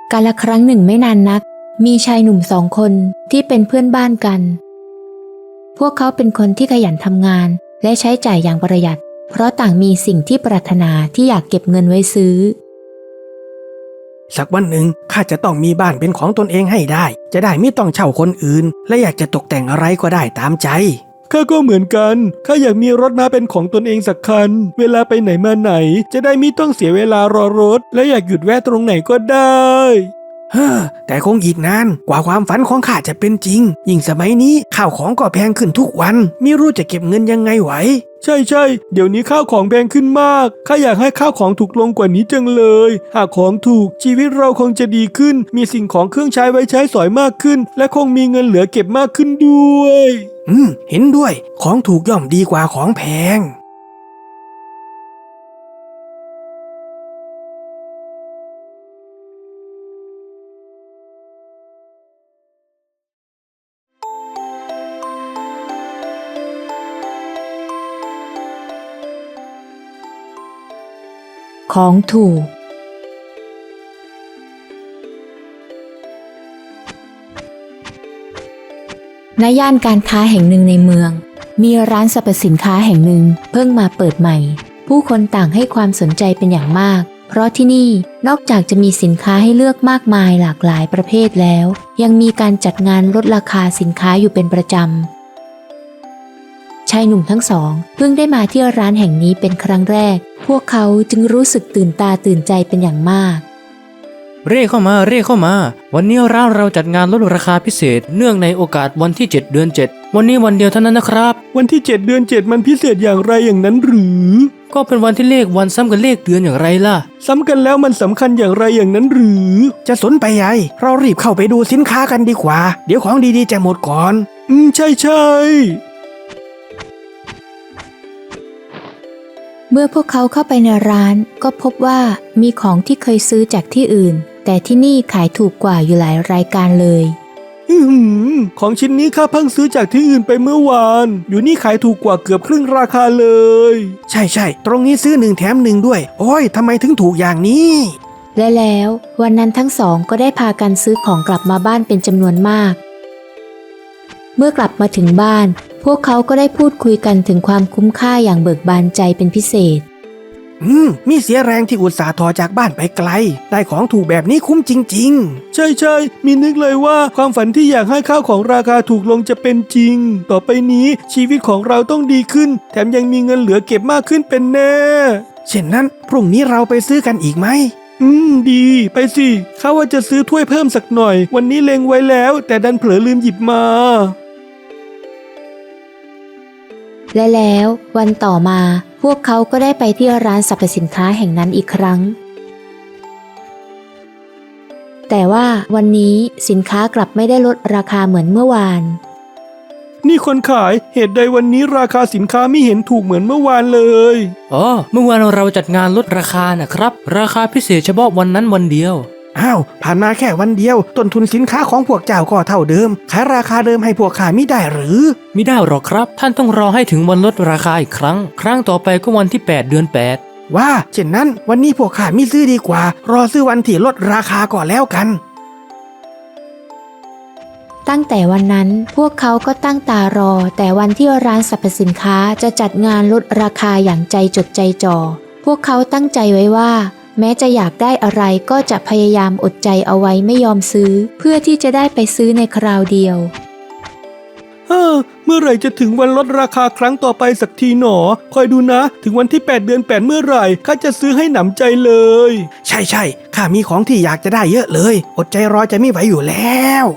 กาลครั้งหนึ่งไม่นานนักมีชายหนุ่ม2 คนที่เป็นเพื่อนบ้านกันพวกเขาเป็นคนที่ขยันทำงานและใช้จ่ายอย่างประหยัดเพราะต่างมีสิ่งที่ปรารถนาที่อยากเก็บเงินไว้ซื้อสักวันหนึ่งข้าจะต้องมีบ้านเป็นของตนเองให้ได้จะได้ไม่ต้องเช่าคนอื่นและอยากจะตกแต่งอะไรก็ได้ตามใจข้าก็เหมือนกันข้าอยากมีรถม้าเป็นของตนเองสักคันเวลาไปไหนมาไหนจะได้ไม่ต้องเสียเวลารอรถและอยากหยุดแวะตรงไหนก็ได้แต่คงอีกนานกว่าความฝันของข้าจะเป็นจริงยิ่งสมัยนี้ข้าวของก็แพงขึ้นทุกวันไม่รู้จะเก็บเงินยังไงไหวใช่เดี๋ยวนี้ข้าวของแพงขึ้นมากข้าอยากให้ข้าวของถูกลงกว่านี้จังเลยหากของถูกชีวิตเราคงจะดีขึ้นมีสิ่งของเครื่องใช้ไว้ใช้สอยมากขึ้นและคงมีเงินเหลือเก็บมากขึ้นด้วยเห็นด้วยของถูกย่อมดีกว่าของแพงของถูกณ ย่านการค้าแห่งหนึ่งในเมืองมีร้านสรรพสินค้าแห่งหนึ่งเพิ่งมาเปิดใหม่ผู้คนต่างให้ความสนใจเป็นอย่างมากเพราะที่นี่นอกจากจะมีสินค้าให้เลือกมากมายหลากหลายประเภทแล้วยังมีการจัดงานลดราคาสินค้าอยู่เป็นประจำชายหนุ่มทั้ง 2เพิ่งได้มาที่ร้านแห่งนี้เป็นครั้งแรกพวกเขาจึงรู้สึกตื่นตาตื่นใจเป็นอย่างมากเร่เข้ามาวันนี้ร้านเราจัดงานลดราคาพิเศษเนื่องในโอกาสวันที่7 เดือน 7วันนี้วันเดียวเท่านั้นนะครับวันที่7 เดือน 7มันพิเศษอย่างไรอย่างนั้นหรือก็เป็นวันที่เลขวันซ้ำกับเลขเดือนอย่างไรล่ะซ้ำกันแล้วมันสำคัญอย่างไรอย่างนั้นหรือจะสนไปใหญ่เรารีบเข้าไปดูสินค้ากันดีกว่าเดี๋ยวของดีๆจะหมดก่อนใช่เมื่อพวกเขาเข้าไปในร้านก็พบว่ามีของที่เคยซื้อจากที่อื่นแต่ที่นี่ขายถูกกว่าอยู่หลายรายการเลยของชิ้นนี้ข้าเพิ่งซื้อจากที่อื่นไปเมื่อวานอยู่นี่ขายถูกกว่าเกือบครึ่งราคาเลยใช่ตรงนี้ซื้อ1 แถม 1ด้วยโอ้ยทำไมถึงถูกอย่างนี้และแล้ววันนั้นทั้ง 2ก็ได้พากันซื้อของกลับมาบ้านเป็นจำนวนมากเมื่อกลับมาถึงบ้านพวกเขาก็ได้พูดคุยกันถึงความคุ้มค่าอย่างเบิกบานใจเป็นพิเศษมีเสียแรงที่อุตส่าห์ทอจากบ้านไปไกลได้ของถูกแบบนี้คุ้มจริงๆใช่มีนึกเลยว่าความฝันที่อยากให้ข้าวของราคาถูกลงจะเป็นจริงต่อไปนี้ชีวิตของเราต้องดีขึ้นแถมยังมีเงินเหลือเก็บมากขึ้นเป็นแน่เช่นนั้นพรุ่งนี้เราไปซื้อกันอีกไหมดีไปสิข้าว่าจะซื้อถ้วยเพิ่มสักหน่อยวันนี้เล็งไว้แล้วแต่ดันเผลอลืมหยิบมาและแล้ววันต่อมาพวกเขาก็ได้ไปที่ร้านสรรพสินค้าแห่งนั้นอีกครั้งแต่ว่าวันนี้สินค้ากลับไม่ได้ลดราคาเหมือนเมื่อวานนี่คนขายเหตุใดวันนี้ราคาสินค้าไม่เห็นถูกเหมือนเมื่อวานเลยเมื่อวานเราจัดงานลดราคานะครับราคาพิเศษเฉพาะวันนั้นวันเดียวผ่านมาแค่วันเดียวต้นทุนสินค้าของพวกเจ้าก็เท่าเดิมขายราคาเดิมให้พวกข้ามิได้หรือมิได้หรอกครับท่านต้องรอให้ถึงวันลดราคาอีกครั้งต่อไปก็วันที่8 เดือน 8 ว่าเช่นนั้นวันนี้พวกข้ามิซื้อดีกว่ารอซื้อวันที่ลดราคาก่อนแล้วกันตั้งแต่วันนั้นพวกเขาก็ตั้งตารอแต่วันที่ร้านสรรพสินค้าจะจัดงานลดราคาอย่างใจจดใจจ่อพวกเขาตั้งใจไว้ว่าแม้จะอยากได้อะไรก็จะพยายามอดใจเอาไว้ไม่ยอมซื้อเพื่อที่จะได้ไปซื้อในคราวเดียวเมื่อไหร่จะถึงวันลดราคาครั้งต่อไปสักทีหนอคอยดูนะถึงวันที่8 เดือน 8เมื่อไหร่ข้าจะซื้อให้หนำใจเลยใช่ข้ามีของที่อยากจะได้เยอะเลยอดใจรอจะไม่ไหวอยู่แล้ว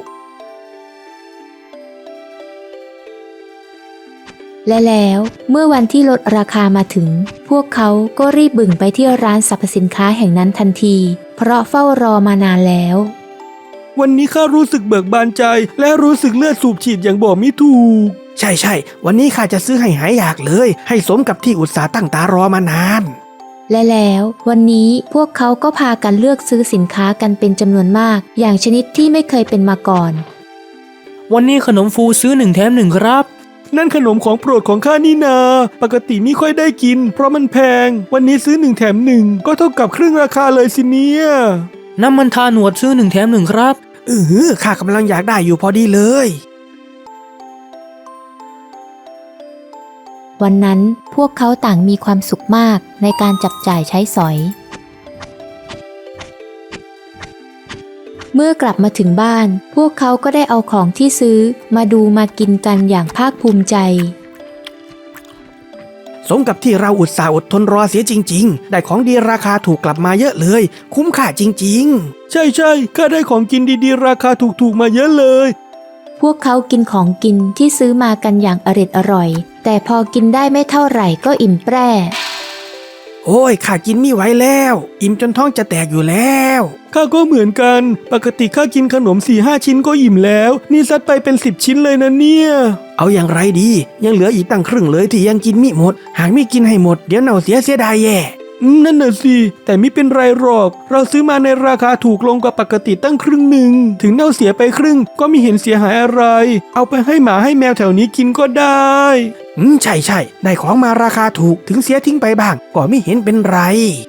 และแล้วเมื่อวันที่ลดราคามาถึงพวกเขาก็รีบบึ่งไปที่ร้านสรรพสินค้าแห่งนั้นทันทีเพราะเฝ้ารอมานานแล้ววันนี้ข้ารู้สึกเบิกบานใจและรู้สึกเลือดสูบฉีดอย่างบอกไม่ถูกใช่วันนี้ข้าจะซื้อให้หายอยากเลยให้สมกับที่อุตส่าห์ตั้งตารอมานานและแล้ววันนี้พวกเขาก็พากันเลือกซื้อสินค้ากันเป็นจำนวนมากอย่างชนิดที่ไม่เคยเป็นมาก่อนวันนี้ขนมฟูซื้อ1 แถม 1ครับนั่นขนมของโปรดของข้านี่นาปกติไม่ค่อยได้กินเพราะมันแพงวันนี้ซื้อ1 แถม 1ก็เท่ากับครึ่งราคาเลยสิเนี่ยน้ำมันทาหนวดซื้อ1 แถม 1ครับข้ากำลังอยากได้อยู่พอดีเลยวันนั้นพวกเขาต่างมีความสุขมากในการจับจ่ายใช้สอย เมื่อกลับมาถึงบ้านพวกเขาก็ได้เอาของที่ซื้อมาดูมากินกันอย่างภาคภูมิใจสมกับที่เราอุตส่าห์อดทนรอเสียจริงๆได้ของดีราคาถูกกลับมาเยอะเลยคุ้มค่าจริงๆใช่ข้าได้ของกินดีๆราคาถูกๆมาเยอะเลยพวกเขากินของกินที่ซื้อมากันอย่างอร่อยแต่พอกินได้ไม่เท่าไหร่ก็อิ่มแปร่โอ้ยข้ากินไม่ไหวแล้วอิ่มจนท้องจะแตกอยู่แล้วข้าก็เหมือนกันปกติข้ากินขนม 4-5 ชิ้นก็อิ่มแล้วนี่ซัดไปเป็น10 ชิ้นเลยนะเนี่ยเอาอย่างไรดียังเหลืออีกตั้งครึ่งเลยที่ยังกินมิหมดหากไม่กินให้หมดเดี๋ยวเน่าเสียดายแย่นั่นน่ะสิแต่ไม่เป็นไรหรอกเราซื้อมาในราคาถูกลงกว่าปกติตั้งครึ่งหนึ่งถึงเน่าเสียไปครึ่งก็ไม่เห็นเสียหายอะไรเอาไปให้หมาให้แมวแถวนี้กินก็ได้ใช่ได้ของมาราคาถูกถึงเสียทิ้งไปบ้างก็ไม่เห็นเป็นไร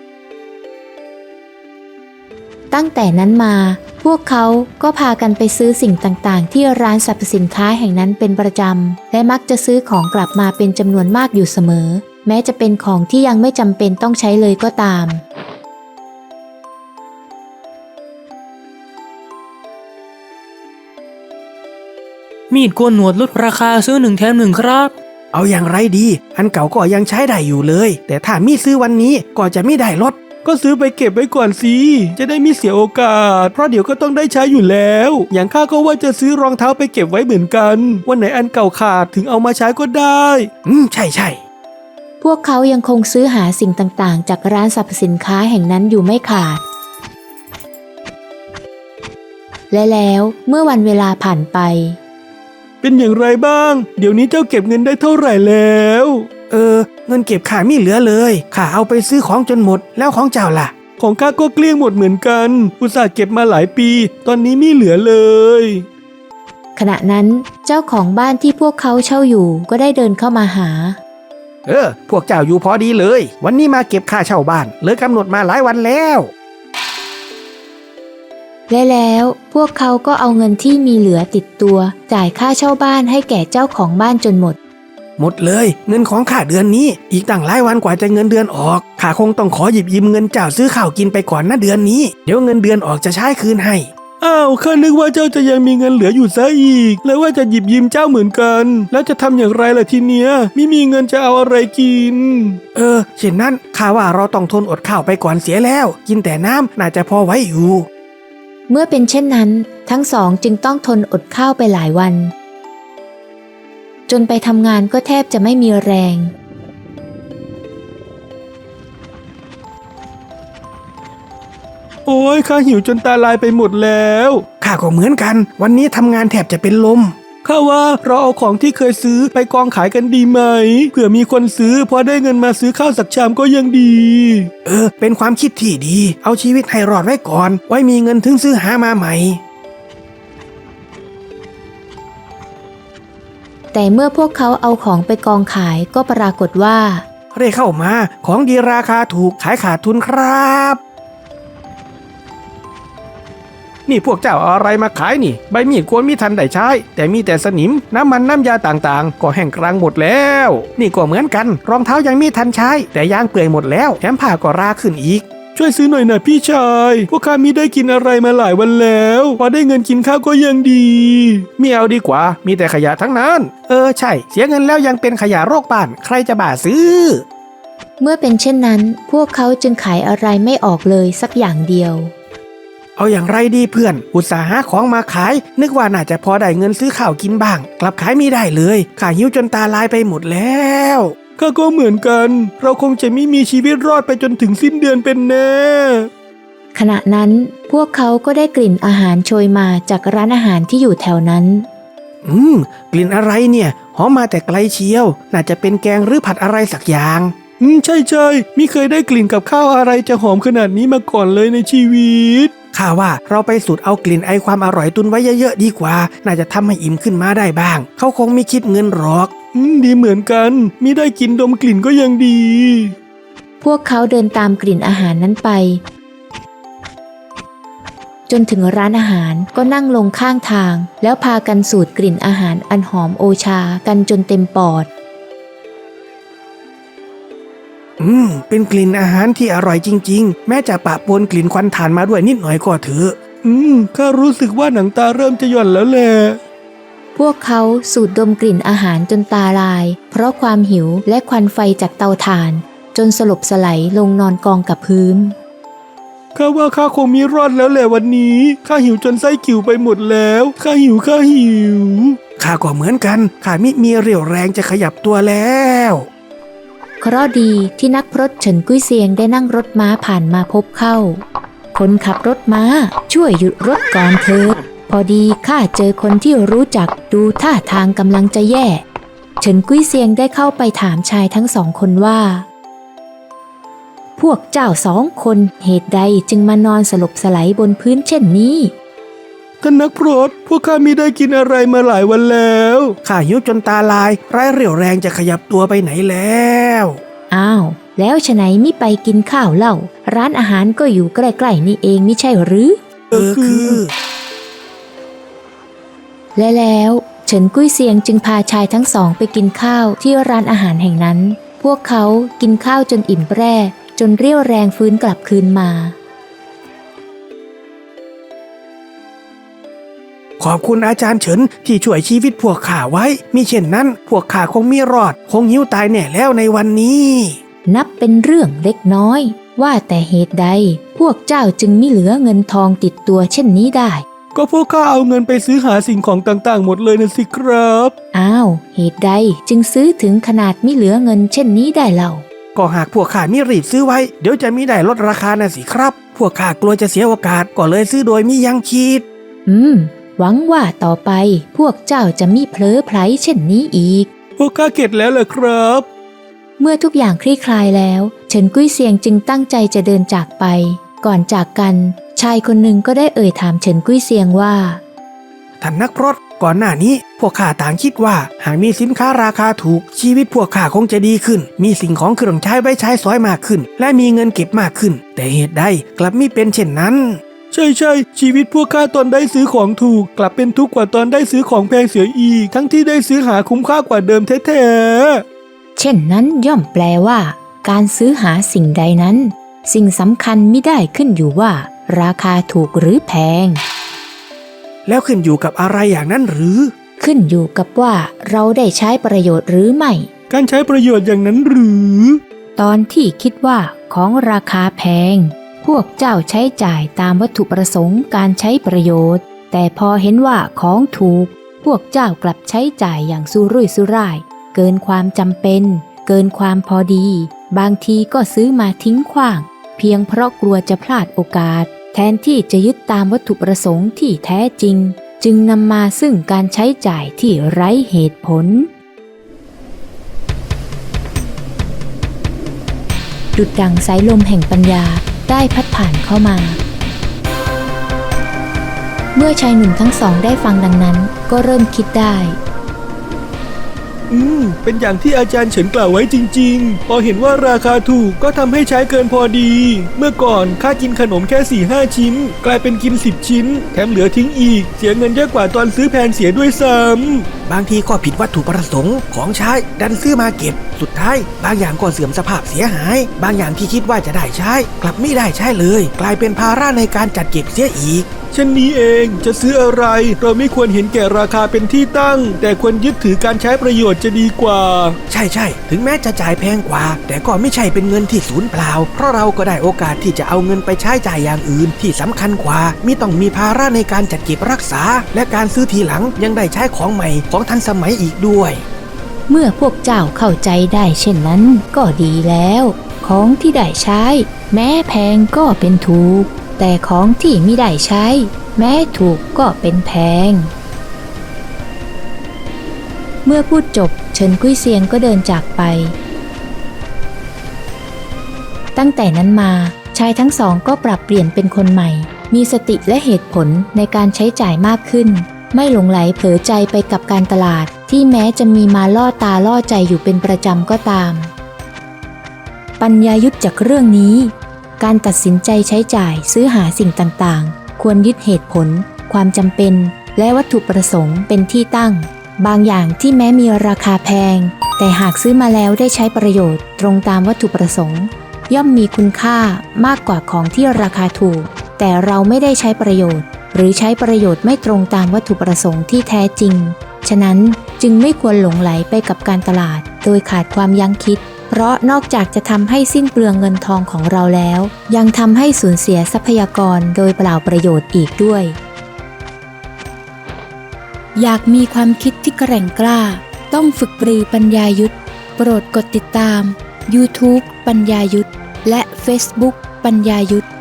ตั้งแต่นั้นมาพวกเขาก็พากันไปซื้อสิ่งต่างๆที่ร้านสรรพสินค้าแห่งนั้นเป็นประจำและมักจะซื้อของกลับมาเป็นจำนวนมากอยู่เสมอแม้จะเป็นของที่ยังไม่จำเป็นต้องใช้เลยก็ตามมีดโกนหนวดลดราคาซื้อ1 แถม 1ครับเอาอย่างไรดีอันเก่าก็ยังใช้ได้อยู่เลยแต่ถ้ามีซื้อวันนี้ก็จะไม่ได้ลดก็ซื้อไปเก็บไว้ก่อนสิจะได้ไม่เสียโอกาสเพราะเดี๋ยวก็ต้องได้ใช้อยู่แล้วอย่างข้าก็ว่าจะซื้อรองเท้าไปเก็บไว้เหมือนกันวันไหนอันเก่าขาดถึงเอามาใช้ก็ได้ใช่พวกเขายังคงซื้อหาสิ่งต่างๆจากร้านสรรพสินค้าแห่งนั้นอยู่ไม่ขาดและแล้วเมื่อวันเวลาผ่านไปเป็นอย่างไรบ้างเดี๋ยวนี้เจ้าเก็บเงินได้เท่าไหร่แล้วเงินเก็บข้าไม่เหลือเลยข้าเอาไปซื้อของจนหมดแล้วของเจ้าล่ะของข้าก็เกลี้ยงหมดเหมือนกันอุตส่าห์เก็บมาหลายปีตอนนี้ไม่เหลือเลยขณะนั้นเจ้าของบ้านที่พวกเขาเช่าอยู่ก็ได้เดินเข้ามาหาพวกเจ้าอยู่พอดีเลยวันนี้มาเก็บค่าเช่าบ้านเลยกำหนดมาหลายวันแล้วและแล้วพวกเขาก็เอาเงินที่มีเหลือติดตัวจ่ายค่าเช่าบ้านให้แก่เจ้าของบ้านจนหมดเลยเงินของข้าเดือนนี้อีกตั้งหลายวันกว่าจะเงินเดือนออกข้าคงต้องขอหยิบยืมเงินเจ้าซื้อข้าวกินไปก่อนนะเดือนนี้เดี๋ยวเงินเดือนออกจะใช้คืนให้อ้าวข้านึกว่าเจ้าจะยังมีเงินเหลืออยู่ซะอีกแล้วว่าจะหยิบยืมเจ้าเหมือนกันแล้วจะทำอย่างไรล่ะทีเนี้ยไม่มีเงินจะเอาอะไรกินเช่นนั้นข้าว่าเราต้องทนอดข้าวไปก่อนเสียแล้วกินแต่น้ำน่าจะพอไว้อยู่เมื่อเป็นเช่นนั้นทั้งสองจึงต้องทนอดข้าวไปหลายวันจนไปทำงานก็แทบจะไม่มีแรงโอ้ยข้าหิวจนตาลายไปหมดแล้วข้าก็เหมือนกันวันนี้ทำงานแทบจะเป็นลมข้าว่าเราเอาของที่เคยซื้อไปกองขายกันดีไหมเผื่อมีคนซื้อพอได้เงินมาซื้อข้าวสักชามก็ยังดีเป็นความคิดที่ดีเอาชีวิตให้รอดไว้ก่อนไว้มีเงินถึงซื้อหามาใหม่แต่เมื่อพวกเขาเอาของไปกองขายก็ปรากฏว่าเร่เข้ามาของดีราคาถูกขายขาดทุนครับนี่พวกเจ้าเอาอะไรมาขายนี่ใบมีดควรมีทันได้ใช้แต่มีแต่สนิมน้ำมันน้ำยาต่างๆก็แห้งกรังหมดแล้วนี่ก็เหมือนกันรองเท้ายังมีทันใช้แต่ยางเปื่อยหมดแล้วแถมผ้าก็ราขึ้นอีกช่วยซื้อหน่อยนะพี่ชายพวกข้ามิได้กินอะไรมาหลายวันแล้วพอได้เงินกินข้าวก็ยังดีไม่เอาดีกว่ามีแต่ขยะทั้งนั้นใช่เสียเงินแล้วยังเป็นขยะโรคบ้านใครจะบ้าซื้อเมื่อเป็นเช่นนั้นพวกเขาจึงขายอะไรไม่ออกเลยสักอย่างเดียวเอาอย่างไรดีเพื่อนอุตส่าห์หาของมาขายนึกว่าน่าจะพอได้เงินซื้อข้าวกินบ้างกลับขายไม่ได้เลยข้าหิวจนตาลายไปหมดแล้วข้าก็เหมือนกันเราคงจะไม่มีชีวิตรอดไปจนถึงสิ้นเดือนเป็นแน่ขณะนั้นพวกเขาก็ได้กลิ่นอาหารโชยมาจากร้านอาหารที่อยู่แถวนั้นกลิ่นอะไรเนี่ยหอมมาแต่ไกลเชียวน่าจะเป็นแกงหรือผัดอะไรสักอย่างใช่ไม่เคยได้กลิ่นกับข้าวอะไรจะหอมขนาดนี้มาก่อนเลยในชีวิตข้าว่าเราไปสูดเอากลิ่นไอความอร่อยตุนไว้เยอะๆดีกว่าน่าจะทำให้อิ่มขึ้นมาได้บ้างเขาคงไม่คิดเงินหรอกดีเหมือนกันมิได้กินดมกลิ่นก็ยังดีพวกเขาเดินตามกลิ่นอาหารนั้นไปจนถึงร้านอาหารก็นั่งลงข้างทางแล้วพากันสูดกลิ่นอาหารอันหอมโอชากันจนเต็มปอดเป็นกลิ่นอาหารที่อร่อยจริงๆแม้จะปะปนกลิ่นควันถ่านมาด้วยนิดหน่อยก็เถอะข้ารู้สึกว่าหนังตาเริ่มจะหย่อนแล้วแหละพวกเขาสูดดมกลิ่นอาหารจนตาลายเพราะความหิวและควันไฟจากเตาถ่านจนสลบสลายลงนอนกองกับพื้นข้าว่าข้าคงมีรอดแล้วแหละวันนี้ข้าหิวจนไส้กิ่วไปหมดแล้วข้าหิวข้าก็เหมือนกันข้ามิมีเรี่ยวแรงจะขยับตัวแล้วเคราะห์ดีที่นักพรตเฉินกุ้ยเซียงได้นั่งรถม้าผ่านมาพบเข้าคนขับรถม้าช่วยหยุดรถก่อนเถิดพอดีข้าเจอคนที่รู้จักดูท่าทางกำลังจะแย่เฉินกุ้ยเซียงได้เข้าไปถามชายทั้งสองคนว่าพวกเจ้า2 คนเหตุใดจึงมานอนสลบสลายบนพื้นเช่นนี้ท่านนักพรตพวกข้ามิได้กินอะไรมาหลายวันแล้วข้าหิวจนตาลายไร้เรี่ยวแรงจะขยับตัวไปไหนแล้วอ้าวแล้วฉะไหนมิไปกินข้าวเล่าร้านอาหารก็อยู่ใกล้ๆนี่เองมิใช่หรือคือและแล้วเฉินกุ้ยเซียงจึงพาชายทั้งสองไปกินข้าวที่ร้านอาหารแห่งนั้นพวกเขากินข้าวจนอิ่มแปร่จนเรี่ยวแรงฟื้นกลับคืนมาขอบคุณอาจารย์เฉินที่ช่วยชีวิตพวกข้าไว้มิเช่นนั้นพวกข้าคงมีรอดคงหิวตายแน่แล้วในวันนี้นับเป็นเรื่องเล็กน้อยว่าแต่เหตุใดพวกเจ้าจึงมิเหลือเงินทองติดตัวเช่นนี้ได้ก็พวกข้าเอาเงินไปซื้อหาสิ่งของต่างๆหมดเลยนะสิครับอ้าวเหตุใดจึงซื้อถึงขนาดมิเหลือเงินเช่นนี้ได้เล่าก็หากพวกข้ามิรีบซื้อไว้เดี๋ยวจะมิได้ลดราคานะสิครับพวกข้ากลัวจะเสียโอกาสก็เลยซื้อโดยมิยังคิดหวังว่าต่อไปพวกเจ้าจะมิเผลอไผลเช่นนี้อีกพวกข้าเข็ดแล้วเหรอครับเมื่อทุกอย่างคลี่คลายแล้วเฉินกุ้ยเซียงจึงตั้งใจจะเดินจากไปก่อนจากกันชายคนหนึ่งก็ได้เอ่ยถามเฉินกุ้ยเซียงว่าท่านนักพรตก่อนหน้านี้พวกข้าต่างคิดว่าหากมีสินค้าราคาถูกชีวิตพวกข้าคงจะดีขึ้นมีสิ่งของเครื่องใช้ไว้ใช้สอยมากขึ้นและมีเงินเก็บมากขึ้นแต่เหตุใดกลับมิเป็นเช่นนั้นใช่ชีวิตพวกข้าตอนได้ซื้อของถูกกลับเป็นทุกข์กว่าตอนได้ซื้อของแพงเสียอีกทั้งที่ได้ซื้อหาคุ้มค่ากว่าเดิมแท้ๆเช่นนั้นย่อมแปลว่าการซื้อหาสิ่งใดนั้นสิ่งสำคัญมิได้ขึ้นอยู่ว่าราคาถูกหรือแพงแล้วขึ้นอยู่กับอะไรอย่างนั้นหรือขึ้นอยู่กับว่าเราได้ใช้ประโยชน์หรือไม่การใช้ประโยชน์อย่างนั้นหรือตอนที่คิดว่าของราคาแพงพวกเจ้าใช้จ่ายตามวัตถุประสงค์การใช้ประโยชน์แต่พอเห็นว่าของถูกพวกเจ้ากลับใช้จ่ายอย่างสุรุ่ยสุร่ายเกินความจำเป็นเกินความพอดีบางทีก็ซื้อมาทิ้งขว้างเพียงเพราะกลัวจะพลาดโอกาสแทนที่จะยึดตามวัตถุประสงค์ที่แท้จริงจึงนำมาซึ่งการใช้จ่ายที่ไร้เหตุผลดุจดั่งสายลมแห่งปัญญาได้พัดผ่านเข้ามาเมื่อชายหนุ่มทั้งสองได้ฟังดังนั้นก็เริ่มคิดได้เป็นอย่างที่อาจารย์เฉินกล่าวไว้จริงๆพอเห็นว่าราคาถูกก็ทำให้ใช้เกินพอดีเมื่อก่อนข้ากินขนมแค่ 4-5 ชิ้นกลายเป็นกิน10ชิ้นแถมเหลือทิ้งอีกเสียเงินเยอะกว่าตอนซื้อแพงเสียด้วยซ้ำบางทีก็ผิดวัตถุประสงค์ของใช้ดันซื้อมาเก็บสุดท้ายบางอย่างก็เสื่อมสภาพเสียหายบางอย่างที่คิดว่าจะได้ใช้กลับไม่ได้ใช้เลยกลายเป็นภาระในการจัดเก็บเสียอีกเช่นนี้เองจะซื้ออะไรเราไม่ควรเห็นแก่ราคาเป็นที่ตั้งแต่ควรยึดถือการใช้ประโยชน์จะดีกว่าใช่ถึงแม้จะจ่ายแพงกว่าแต่ก็ไม่ใช่เป็นเงินที่สูญเปล่าเพราะเราก็ได้โอกาสที่จะเอาเงินไปใช้จ่ายอย่างอื่นที่สำคัญกว่ามิต้องมีภาระในการจัดเก็บรักษาและการซื้อทีหลังยังได้ใช้ของใหม่ของทันสมัยอีกด้วยเมื่อพวกเจ้าเข้าใจได้เช่นนั้นก็ดีแล้วของที่ได้ใช้แม้แพงก็เป็นถูกแต่ของที่มิได้ใช้แม้ถูกก็เป็นแพงเมื่อพูดจบเฉินกุ้ยเซียงก็เดินจากไปตั้งแต่นั้นมาชายทั้งสองก็ปรับเปลี่ยนเป็นคนใหม่มีสติและเหตุผลในการใช้จ่ายมากขึ้นไม่หลงไหลเผลอใจไปกับการตลาดที่แม้จะมีมาล่อตาล่อใจอยู่เป็นประจำก็ตามปัญญายุทธจากเรื่องนี้การตัดสินใจใช้จ่ายซื้อหาสิ่งต่างๆควรยึดเหตุผล ความจำเป็น และวัตถุประสงค์เป็นที่ตั้ง บางอย่างที่แม้มีราคาแพง แต่หากซื้อมาแล้วได้ใช้ประโยชน์ตรงตามวัตถุประสงค์ ย่อมมีคุณค่ามากกว่าของที่ราคาถูก แต่เราไม่ได้ใช้ประโยชน์ หรือใช้ประโยชน์ไม่ตรงตามวัตถุประสงค์ที่แท้จริง ฉะนั้นจึงไม่ควรหลงไหลไปกับการตลาดโดยขาดความยั้งคิด เพราะนอกจากจะทำให้สิ้นเปลืองเงินทองของเราแล้ว ยังทำให้สูญเสียทรัพยากรโดยเปล่าประโยชน์อีกด้วย อยากมีความคิดที่แกร่งกล้า ต้องฝึกปรือปัญญายุทธโปรดกดติดตาม YouTube ปัญญายุทธและ Facebook ปัญญายุทธ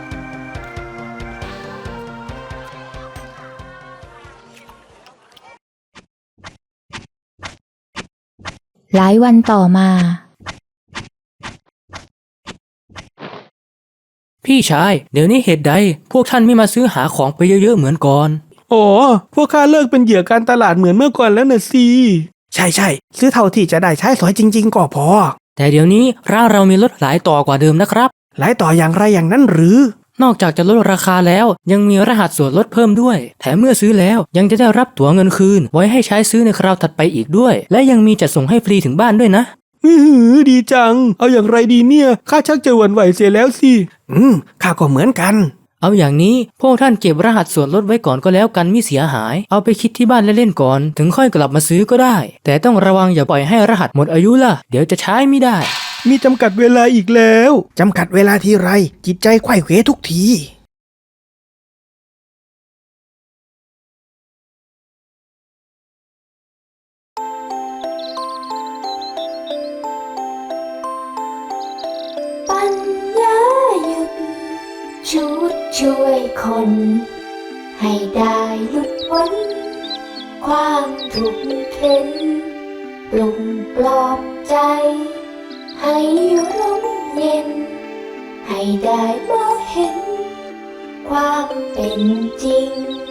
หลายวันต่อมาพี่ชายเดี๋ยวนี้เหตุใดพวกท่านไม่มาซื้อหาของไปเยอะๆเหมือนก่อนอ๋อพวกข้าเลิกเป็นเหยื่อการตลาดเหมือนเมื่อก่อนแล้วนะสิใช่ซื้อเท่าที่จะได้ใช้สอยจริงๆก็พอแต่เดี๋ยวนี้ร้านเรามีลดหลายต่อกว่าเดิมนะครับหลายต่ออย่างไรอย่างนั้นหรือนอกจากจะลดราคาแล้วยังมีรหัสส่วนลดเพิ่มด้วยแถมเมื่อซื้อแล้วยังจะได้รับตั๋วเงินคืนไว้ให้ใช้ซื้อในคราวถัดไปอีกด้วยและยังมีจัดส่งให้ฟรีถึงบ้านด้วยนะดีจังเอาอย่างไรดีเนี่ยข้าชักจะหวั่นไหวเสียแล้วสิข้าก็เหมือนกันเอาอย่างนี้พวกท่านเก็บรหัสส่วนลดไว้ก่อนก็แล้วกันมิเสียหายเอาไปคิดที่บ้านเล่นๆก่อนถึงค่อยกลับมาซื้อก็ได้แต่ต้องระวังอย่าปล่อยให้รหัสหมดอายุล่ะเดี๋ยวจะใช้ไม่ได้มีจำกัดเวลาอีกแล้วจำกัดเวลาทีไรจิตใจไขว้เขวทุกทีปัญญายุทธชุดช่วยคนให้ได้หลุดพ้นความทุกข์เข็นปลุกปลอบใจให้ร่มเย็นให้ได้มองเห็นความเป็นจริง